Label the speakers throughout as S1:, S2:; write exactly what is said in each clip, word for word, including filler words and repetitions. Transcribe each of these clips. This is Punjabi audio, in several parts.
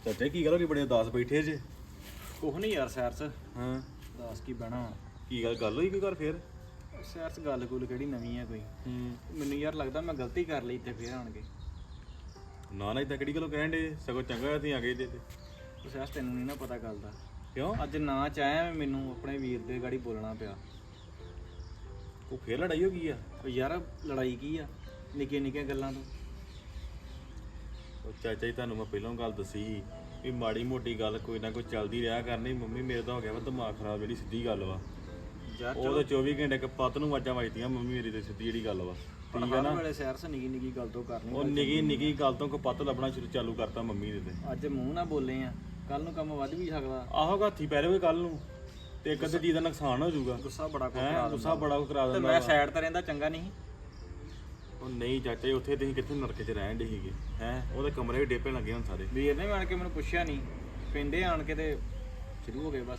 S1: ਚਾਚਾ ਕੀ ਗੱਲ ਹੋ ਗਈ ਬੜੇ ਉਦਾਸ ਬੈਠੇ ਜੇ?
S2: ਕੁਛ ਨਹੀਂ ਯਾਰ ਸੈਰਸ
S1: ਹਾਂ
S2: ਦੱਸ ਕੀ ਬਹਿਣਾ
S1: ਕੀ ਗੱਲ ਗੱਲ ਹੋਈ ਕੋਈ ਘਰ ਫੇਰ?
S2: ਸੈਰਸ ਗੱਲ ਗੁੱਲ ਕਿਹੜੀ ਨਵੀਂ ਆ ਕੋਈ
S1: ਹੂੰ
S2: ਮੈਨੂੰ ਯਾਰ ਲੱਗਦਾ ਮੈਂ ਗਲਤੀ ਕਰ ਲਈ ਤੇ ਫੇਰ ਆਣ ਕੇ
S1: ਨਾ ਨਾ ਇਦਾਂ ਕਿਹੜੀ ਗੱਲੋਂ ਕਹਿਣ ਦੇ? ਸਗੋਂ ਚੰਗਾ ਹੋਇਆ ਤੁਸੀਂ ਆ ਗਏ ਜੇ ਤੇ।
S2: ਉਹ ਸੈਰਸ ਤੈਨੂੰ ਨਹੀਂ ਨਾ ਪਤਾ ਗੱਲ ਦਾ।
S1: ਕਿਉਂ?
S2: ਅੱਜ ਨਾ ਚਾਹਿਆ ਮੈਨੂੰ ਆਪਣੇ ਵੀਰ ਦੇ ਗਾੜੀ ਬੋਲਣਾ ਪਿਆ।
S1: ਉਹ ਫੇਰ ਲੜਾਈ ਹੋ ਗਈ ਆ?
S2: ਉਹ ਯਾਰ ਲੜਾਈ ਕੀ ਆ ਨਿੱਕੀਆਂ ਨਿੱਕੀਆਂ ਗੱਲਾਂ ਤੋਂ।
S1: ਉਹ ਚਾਚਾ ਜੀ ਤੁਹਾਨੂੰ ਮੈਂ ਪਹਿਲਾਂ ਗੱਲ ਦੱਸੀ ਸੀ ਵੀ ਮਾੜੀ ਮੋਟੀ ਗੱਲ ਕੋਈ ਨਾ ਕੋਈ ਚੱਲਦੀ ਰਿਹਾ ਕਰਨੀ। ਮੰਮੀ ਮੇਰੇ ਤਾਂ ਹੋ ਗਿਆ ਵਾ ਦਿਮਾਗ ਖਰਾਬ, ਜਿਹੜੀ ਸਿੱਧੀ ਗੱਲ ਵਾ।
S2: ਯਾਰ
S1: ਉਹ ਤਾਂ ਚੌਵੀ ਘੰਟੇ ਕਪੱਤ ਨੂੰ ਵਾਜਾਂ ਵੱਜਦੀਆਂ ਮੰਮੀ ਮੇਰੀ ਤੇ ਸਿੱਧੀ ਜਿਹੜੀ ਗੱਲ ਵਾ। ਠੀਕ ਆ ਨਾ?
S2: ਵੇਲੇ ਸੈਰਸ ਨਿੱਕੀ ਨਿੱਕੀ ਗੱਲ ਤੋਂ ਕਰਨੀ।
S1: ਉਹ ਨਿੱਕੀ ਨਿੱਕੀ ਗੱਲ ਤੋਂ ਕਪੱਤ ਲੱਭਣਾ ਸ਼ੁਰੂ ਚਾਲੂ ਕਰਤਾ ਮੰਮੀ ਦੇ ਤੇ।
S2: ਅੱਜ ਮੂੰਹ ਨਾ ਬੋਲੇ ਆ ਕੱਲ ਨੂੰ ਕੰਮ ਵੱਧ ਵੀ ਸਕਦਾ।
S1: ਆਹੋ ਹੱਥੀ ਪੈ ਰਹੇ ਕੱਲ ਨੂੰ ਤੇ ਇੱਕ ਅੱਧੇ ਚੀਜ਼ ਦਾ ਨੁਕਸਾਨ ਹੋ ਜਾਊਗਾ।
S2: ਗੁੱਸਾ ਬੜਾ ਕੁ
S1: ਹੈਂ
S2: ਕਰਾ
S1: ਗੁੱਸਾ ਬੜਾ ਕੁ ਕਰਾ
S2: ਤੇ
S1: ਦਿੰਦਾ
S2: ਮੈਂ
S1: ਵਾ।
S2: ਸਾਈਡ ਤੇ ਰਹਿੰਦਾ ਚੰਗਾ ਨਹੀਂ।
S1: ਉਹ ਨਹੀਂ ਚਾਚਾ ਜੀ ਉੱਥੇ ਤੁਸੀਂ ਕਿੱਥੇ ਨਰਕ 'ਚ ਰਹਿਣ ਦੇ ਸੀਗੇ ਹੈ? ਉਹਦੇ ਕਮਰੇ ਵੀ ਡੇਪੇ ਲੱਗੇ ਹੁਣ ਸਾਰੇ।
S2: ਵੀਰ ਨੇ ਆਣ ਕੇ ਮੈਨੂੰ ਪੁੱਛਿਆ ਨਹੀਂ, ਪਿੰਡੇ ਆਣ ਕੇ ਤੇ ਸ਼ੁਰੂ ਹੋ ਗਏ ਬਸ।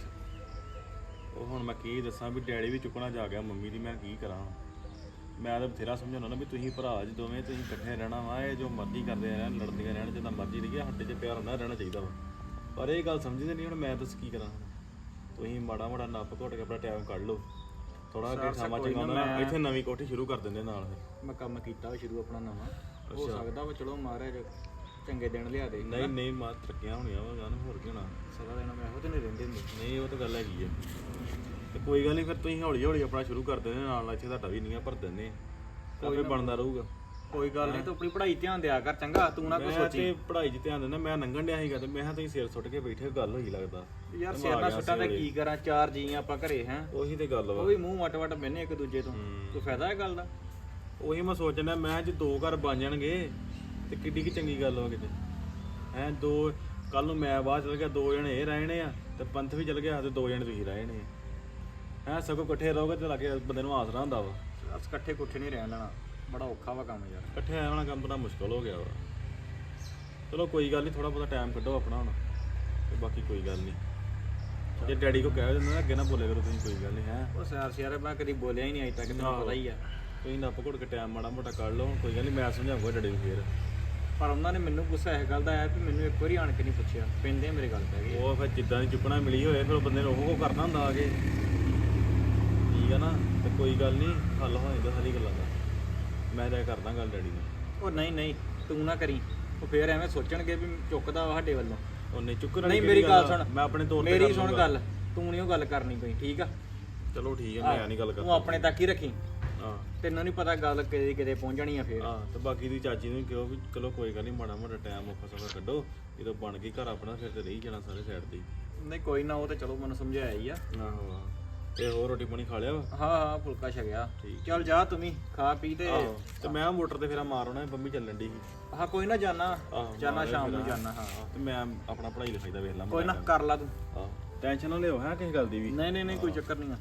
S1: ਉਹ ਹੁਣ ਮੈਂ ਕੀ ਦੱਸਾਂ ਵੀ ਡੈਡੀ ਵੀ ਚੁੱਕਣਾ ਜਾ ਗਿਆ ਮੰਮੀ ਦੀ, ਮੈਂ ਕੀ ਕਰਾਂ? ਮੈਂ ਤਾਂ ਬਥੇਰਾ ਸਮਝਾਉਣਾ ਨਾ ਵੀ ਤੁਸੀਂ ਭਰਾ ਜੀ ਦੋਵੇਂ, ਤੁਸੀਂ ਇਕੱਠੇ ਰਹਿਣਾ ਵਾ। ਇਹ ਜੋ ਮਰਜ਼ੀ ਕਰਦੇ ਰਹਿਣ, ਲੜਦੀਆਂ ਰਹਿਣ, ਜਿੱਦਾਂ ਮਰਜ਼ੀ ਰਹੀਏ, ਸਾਡੇ 'ਚ ਪਿਆਰ ਹੁੰਦਾ ਰਹਿਣਾ ਚਾਹੀਦਾ ਵਾ। ਪਰ ਇਹ ਗੱਲ ਸਮਝਦੇ ਨਹੀਂ। ਹੁਣ ਮੈਂ ਦੱਸ ਕੀ ਕਰਾਂ? ਤੁਸੀਂ ਮਾੜਾ ਮਾੜਾ ਨੱਪ ਘੁੱਟ ਕੇ ਆਪਣਾ ਟਾਈਮ ਕੱਢ ਲਓ ਥੋੜਾ ਅੱਗੇ ਸਮਾਂ ਚੰਗਾ ਹੁੰਦਾ ਨਾ। ਇੱਥੇ ਨਵੀਂ ਕੋਠੀ ਸ਼ੁਰੂ ਕਰ ਦਿੰਦੇ ਨਾਲ ਫਿਰ।
S2: ਮੈਂ ਕੰਮ ਕੀਤਾ ਵਾ ਸ਼ੁਰੂ ਆਪਣਾ ਨਵਾਂ। ਹੋ ਸਕਦਾ ਵਾ ਚਲੋ ਮਹਾਰਾਜ ਚੰਗੇ ਦਿਨ ਲਿਆ ਦੇ।
S1: ਨਹੀਂ ਨਹੀਂ ਮਾਂ ਤਰੱਕੀਆਂ ਹੋਣੀਆਂ ਵਾ ਗਾਂ ਹੋਰ ਕੀ ਹੋਣਾ।
S2: ਸਾਰਾ ਦਿਨ ਮੈਂ ਇਹੋ ਤੇ ਨਹੀਂ ਰਹਿੰਦੇ ਹੁੰਦੇ।
S1: ਨਹੀਂ ਉਹ ਤਾਂ ਗੱਲ ਹੈਗੀ ਹੈ। ਤੇ ਕੋਈ ਗੱਲ ਨਹੀਂ ਫਿਰ ਤੁਸੀਂ ਹੌਲੀ ਹੌਲੀ ਆਪਣਾ ਸ਼ੁਰੂ ਕਰ ਦਿੰਦੇ ਨਾਲ ਨਾਲ। ਇੱਥੇ ਤੁਹਾਡਾ ਵੀ ਨੀਆਂ ਭਰ ਦਿੰਦੇ ਕੋਈ ਬਣਦਾ ਰਹੂਗਾ।
S2: ਕੋਈ ਗੱਲ ਨਹੀਂ, ਤੂੰ ਆਪਣੀ ਪੜ੍ਹਾਈ ਧਿਆਨ ਦਿਆ ਕਰ ਚੰਗਾ। ਤੂੰ ਨਾ ਕੋਈ
S1: ਮੈਂ
S2: ਸੋਚੀ।
S1: ਤੇ ਪੜ੍ਹਾਈ 'ਚ ਧਿਆਨ ਦਿੰਦਾ। ਮੈਂ ਲੰਘਣ ਡਿਆ ਸੀਗਾ ਤੇ ਮੈਂ ਕਿਹਾ ਤੁਸੀਂ ਸਿਰ ਸੁੱਟ ਕੇ ਬੈਠੇ ਗੱਲ ਹੋਈ ਲੱਗਦਾ।
S2: ਯਾਰ ਸਿਰ ਨਾਲ ਸੁੱਟਾਂ ਤੇ ਕੀ ਕਰਾਂ? ਚਾਰ ਜੀ ਆਪਾਂ ਘਰੇ ਹੈ।
S1: ਉਹੀ ਤੇ ਗੱਲ ਵਾ।
S2: ਉਹ ਵੀ ਮੂੰਹ ਵਟ ਵਟ ਬਹਿਨੇ ਇੱਕ ਦੂਜੇ ਤੋਂ। ਤੂੰ ਫਾਇਦਾ ਹੈ ਗੱਲ ਦਾ?
S1: ਉਹੀ ਮੈਂ ਸੋਚਣਾ ਮੈਂ ਜੇ ਦੋ ਘਰ ਬਣ ਜਾਣਗੇ ਤੇ ਕਿੱਡੀ ਕੀ ਚੰਗੀ ਗੱਲ ਵਾ ਕਿਤੇ ਹੈ। ਦੋ ਕੱਲ ਨੂੰ ਮੈਂ ਬਾਹਰ ਚਲ ਗਿਆ, ਦੋ ਜਣੇ ਇਹ ਰਹਿਣੇ ਆ ਤੇ ਪੰਥ ਵੀ ਚਲ ਗਿਆ ਤੇ ਦੋ ਜਣੇ ਤੁਸੀਂ ਰਹਿਣੇ ਆ ਹੈ। ਸਗੋਂ ਇਕੱਠੇ ਰਹੋਗੇ ਤੇ ਲੱਗੇ ਬੰਦੇ ਨੂੰ ਆਸਰਾ ਹੁੰਦਾ ਵਾ।
S2: ਅਸ ਇਕੱਠੇ ਕੁੱਠੇ ਨਹੀਂ ਰਹਿਣ ਦੇਣਾ, ਬੜਾ ਔਖਾ ਵਾ ਕੰਮ ਯਾਰ।
S1: ਇਕੱਠੇ ਆਉਣਾ ਕੰਮ ਬੜਾ ਮੁਸ਼ਕਲ ਹੋ ਗਿਆ ਵਾ। ਚਲੋ ਕੋਈ ਗੱਲ ਨਹੀਂ, ਥੋੜਾ ਬਹੁਤਾ ਟਾਈਮ ਕੱਢੋ ਆਪਣਾ ਹੁਣ ਤੇ ਬਾਕੀ ਕੋਈ ਗੱਲ ਨਹੀਂ। ਜੇ ਡੈਡੀ ਕੋ ਕਹਿ ਦਿੰਦੇ ਨਾ ਅੱਗੇ ਨਾ ਬੋਲੇ ਕਰੋ ਤੁਸੀਂ, ਕੋਈ ਗੱਲ ਨਹੀਂ ਹੈ।
S2: ਉਹ ਸਿਆਰ ਸਿਆਰ ਮੈਂ ਕਦੀ ਬੋਲਿਆ ਹੀ ਨਹੀਂ ਅਜੇ ਤੱਕ, ਤੈਨੂੰ ਪਤਾ ਹੀ ਆ।
S1: ਤੁਸੀਂ ਨੱਪ ਘੁੱਟ ਕੇ ਟਾਈਮ ਮਾੜਾ ਮੋਟਾ ਕੱਢ ਲਓ, ਕੋਈ ਗੱਲ ਨਹੀਂ। ਮੈਂ ਸਮਝਾਉਂਗਾ ਡੈਡੀ ਨੂੰ ਫੇਰ।
S2: ਪਰ ਉਹਨਾਂ ਨੇ ਮੈਨੂੰ ਗੁੱਸਾ ਇਸ ਗੱਲ ਦਾ ਆਇਆ ਵੀ ਮੈਨੂੰ ਇੱਕ ਵਾਰੀ ਆਣ ਕੇ ਨਹੀਂ ਪੁੱਛਿਆ। ਪਿੰਡੇ ਮੇਰੇ ਗੱਲ ਪੈ ਗਈ।
S1: ਉਹ ਫਿਰ ਜਿੱਦਾਂ ਦੀ ਚੁੱਕਣਾ ਮਿਲੀ ਹੋਏ ਫਿਰ ਬੰਦੇ ਨੂੰ ਉਹ ਕਰਨਾ ਹੁੰਦਾ ਆ ਕੇ। ਠੀਕ ਆ ਨਾ? ਤੇ ਕੋਈ ਗੱਲ ਨਹੀਂ, ਹੱਲ ਹੋ ਜਾਂਦਾ ਸਾਰੀ ਗੱਲਾਂ ਦਾ। ਮੈਂ ਤਾਂ ਕਰਦਾ ਗੱਲ ਡੈਡੀ ਨਾਲ।
S2: ਉਹ ਨਹੀਂ ਨਹੀਂ ਤੂੰ ਨਾ ਕਰੀ, ਉਹ ਫੇਰ ਐਵੇਂ ਸੋਚਣਗੇ ਵੀ ਚੁੱਕਦਾ ਵਾ ਸਾਡੇ ਵੱਲੋਂ।
S1: ਉਹਨੇ ਚੁੱਕਣਾ
S2: ਨਹੀਂ ਮੇਰੀ ਗੱਲ ਸੁਣ,
S1: ਮੈਂ ਆਪਣੇ ਤੌਰ ਤੇ
S2: ਮੇਰੀ ਸੁਣ ਗੱਲ। ਤੂੰ ਨਹੀਂ ਉਹ ਗੱਲ ਕਰਨੀ ਕੋਈ, ਠੀਕ ਆ?
S1: ਚਲੋ ਠੀਕ ਆ, ਮੈਂ ਨਹੀਂ ਗੱਲ ਕਰਦਾ।
S2: ਤੂੰ ਆਪਣੇ ਤੱਕ ਹੀ ਰੱਖੀ।
S1: ਹਾਂ
S2: ਤੈਨੂੰ ਨਹੀਂ ਪਤਾ ਗੱਲ ਕਿਤੇ ਕਿਤੇ ਪਹੁੰਚਣੀ ਆ ਫੇਰ।
S1: ਹਾਂ ਤੇ ਬਾਕੀ ਦੀ ਚਾਚੀ ਨੂੰ ਕਿਹਾ ਵੀ ਚਲੋ ਕੋਈ ਗੱਲ ਨਹੀਂ, ਮਾੜਾ ਮੋਟਾ ਟਾਈਮ ਔਖਾ ਸੌਖਾ ਕੱਢੋ। ਜਦੋਂ ਬਣ ਗਈ ਘਰ ਆਪਣਾ ਫਿਰ ਤੇ ਰਹੀ ਜਾਣਾ ਸਾਰੇ ਸਾਈਡ ਤੇ।
S2: ਨਹੀਂ ਕੋਈ ਨਾ, ਉਹ ਤੇ ਚਲੋ ਮੈਨੂੰ ਸਮਝਾਇਆ ਹੀ ਆ।
S1: ਆਹੋ। ਤੇ ਹੋਰ ਰੋਟੀ ਪਾਣੀ ਖਾ ਲਿਆ ਵਾ?
S2: ਹਾਂ ਹਾਂ ਫੁਲਕਾ ਛਕਿਆ। ਚੱਲ ਜਾ ਤੂੰ ਵੀ ਖਾ ਪੀ ਤੇ।
S1: ਤੇ ਮੈਂ ਮੋਟਰ ਤੇ ਫੇਰਾ ਮਾਰ ਆਉਣਾ, ਬੰਮੀ ਚੱਲਣ ਦੀ ਸੀ।
S2: ਹਾਂ ਕੋਈ ਨਾ, ਜਾਣਾ ਜਾਣਾ ਸ਼ਾਮ ਨੂੰ ਜਾਣਾ। ਹਾਂ
S1: ਤੇ ਮੈਂ ਆਪਣਾ ਪੜ੍ਹਾਈ ਲਿਖਾਈ ਦਾ ਵੇਖ ਲਾਂ।
S2: ਕੋਈ ਨਾ ਕਰ ਲਾ ਤੂੰ।
S1: ਆਹ ਟੈਨਸ਼ਨ ਨਾ ਲਿਓ ਹੈ ਕਿਸੇ ਗੱਲ ਦੀ ਵੀ।
S2: ਨਹੀਂ ਨਹੀਂ ਨਹੀਂ ਕੋਈ ਚੱਕਰ ਨਹੀਂ ਆ।